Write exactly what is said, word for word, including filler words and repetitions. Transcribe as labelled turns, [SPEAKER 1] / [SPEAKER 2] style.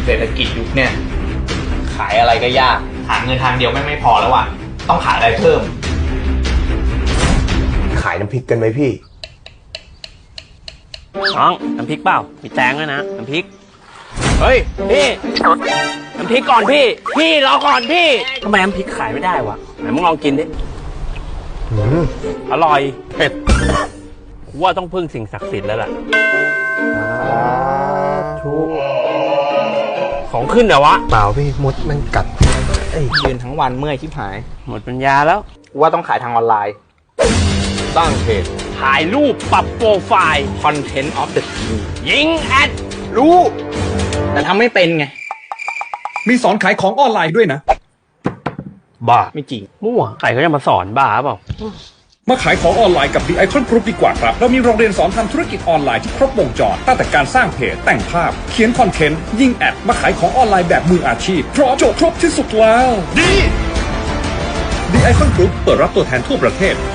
[SPEAKER 1] เศรษฐกิจยุคเนี่ยขายอะไรก็ยากหาเงินทางเดียวไม่ไม่พอแล้วว่ะต้องขายอะไรเพิ่ม
[SPEAKER 2] ขายน้ำพริกกันไหมพี่
[SPEAKER 3] น้องน้ำพริกเปล่ามีแตงด้วยนะน้ำพริกเฮ้ยพี่น้ำพริกก่อนพี่พี่รอก่อนพี่ทำไมน้ำพริกขายไม่ได้วะไหนมึงลองกินดิอร่อยเผ็ดกูว่าต้องพึ่งสิ่งศักดิ์สิทธิ์แล้วล่ะของขึ้นเหรอวะ
[SPEAKER 2] เปล่าพี่มดมันกัด
[SPEAKER 1] ยืนทั้งวันเมื่อยชิบหาย
[SPEAKER 3] หมดปัญญาแล้ว
[SPEAKER 1] ว่าต้องขายทางออนไลน์
[SPEAKER 3] สร้างเพจถ่ายรูปปรับโปรไฟล์
[SPEAKER 1] Content of the Team
[SPEAKER 3] ยิงแอด
[SPEAKER 1] รู้แต่ทำไม่เป็นไง
[SPEAKER 4] มีสอนขายของออนไลน์ด้วยนะ
[SPEAKER 3] บ้า
[SPEAKER 1] ไม่จริง
[SPEAKER 3] มั่วใครเขาจะมาสอนบ้าเปล่า
[SPEAKER 4] มาขายของออนไลน์กับ The Icon Group ดีกว่าครับเรามีโรงเรียนสอนทำธุรกิจออนไลน์ที่ครบวงจรตั้งแต่การสร้างเพจแต่งภาพเขียนคอนเทนต์ยิงแอดมาขายของออนไลน์แบบมืออาชีพพร้อมจบครบที่สุดแล้วดี The Icon Group เปิดรับตัวแทนทั่วประเทศ